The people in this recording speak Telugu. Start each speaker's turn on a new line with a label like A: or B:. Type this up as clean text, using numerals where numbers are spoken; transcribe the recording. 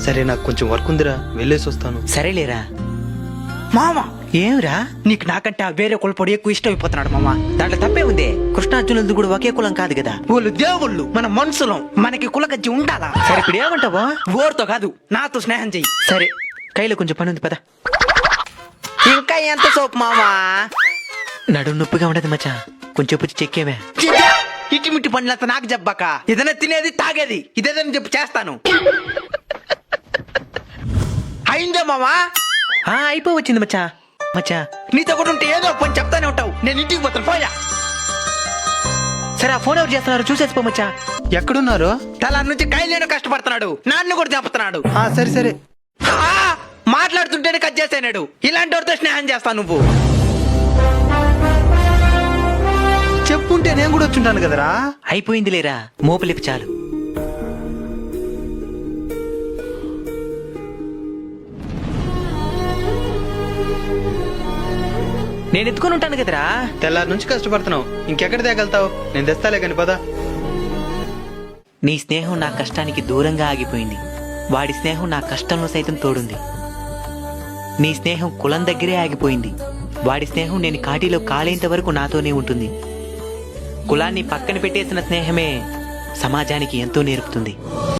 A: సరే నాకు కొంచెం వర్క్ ఉందిరా, వెళ్ళేసి వస్తాను.
B: సరేలేరా.
C: మామ
B: ఏమిరా?
C: నీకు నాకంటే ఆ వేరే కులపొడి ఎక్కువ ఇష్టం అయిపోతున్నాడు మామ.
B: దాంట్లో తప్పే ఉంది. కృష్ణార్జునులది కూడా ఒకే కులం కాదు కదా.
C: వాళ్ళు దేవుళ్ళు, మన మనుషులం, మనకి కులగజ్జి ఉండాలా?
B: సరే ఇప్పుడు ఏమంటావా?
C: ఓర్తో కాదు, నాతో స్నేహం చెయ్యి.
B: సరే, కైలో కొంచెం పని ఉంది పద.
C: ఇంకా ఎంత సోపు మామా?
B: నడుము నొప్పిగా ఉండదు మచ్చా, కొంచెం పుచ్చి చెక్కేవే.
C: ఇటిమిటి పనులంతా నాకు చెప్పాక, ఏదైనా తినేది తాగేది ఇదేదని చెప్పి చేస్తాను. అయిందే మామా?
B: అయిపోవచ్చింది మచ్చా. మచ్చా
C: నీతో కూడా ఉంటే ఏదో పని చెప్తానే ఉంటావు. నేను ఇంటికి పోతాను, పోయా.
B: సరే, ఆ ఫోన్ ఎవరు చేస్తున్నారు చూసేసిపో మచ్చా.
A: ఎక్కడున్నారు?
C: తల నుంచి కైలేను కష్టపడుతున్నాడు, నాన్ను కూడా చెప్తున్నాడు.
A: సరే సరే.
C: మాట్లాడుతుంటేనే కట్ చేసాడు. ఇలాంటి వాడితో స్నేహం చేస్తాను నువ్వు.
A: చెప్పుంటే నేను కూడా వచ్చుంటాను కదరా.
B: అయిపోయింది లేరా, మోపలిపి చాలు. నేను ఎత్తుకొని ఉంటాను కదరా.
A: తెల్లారి నుంచి కష్టపడుతున్నావు, ఇంకెక్కడ తేగలుగుతావు? నేను తెస్తాలే కాని పదా.
B: నీ స్నేహం నా కష్టానికి దూరంగా ఆగిపోయింది. వాడి స్నేహం నా కష్టంలో సైతం తోడుంది. నీ స్నేహం కులం దగ్గరే ఆగిపోయింది. వాడి స్నేహం నేను కాటిలో కాలేంత వరకు నాతోనే ఉంటుంది. కులాన్ని పక్కన పెట్టేసిన స్నేహమే సమాజానికి ఎంతో నేర్పుతుంది.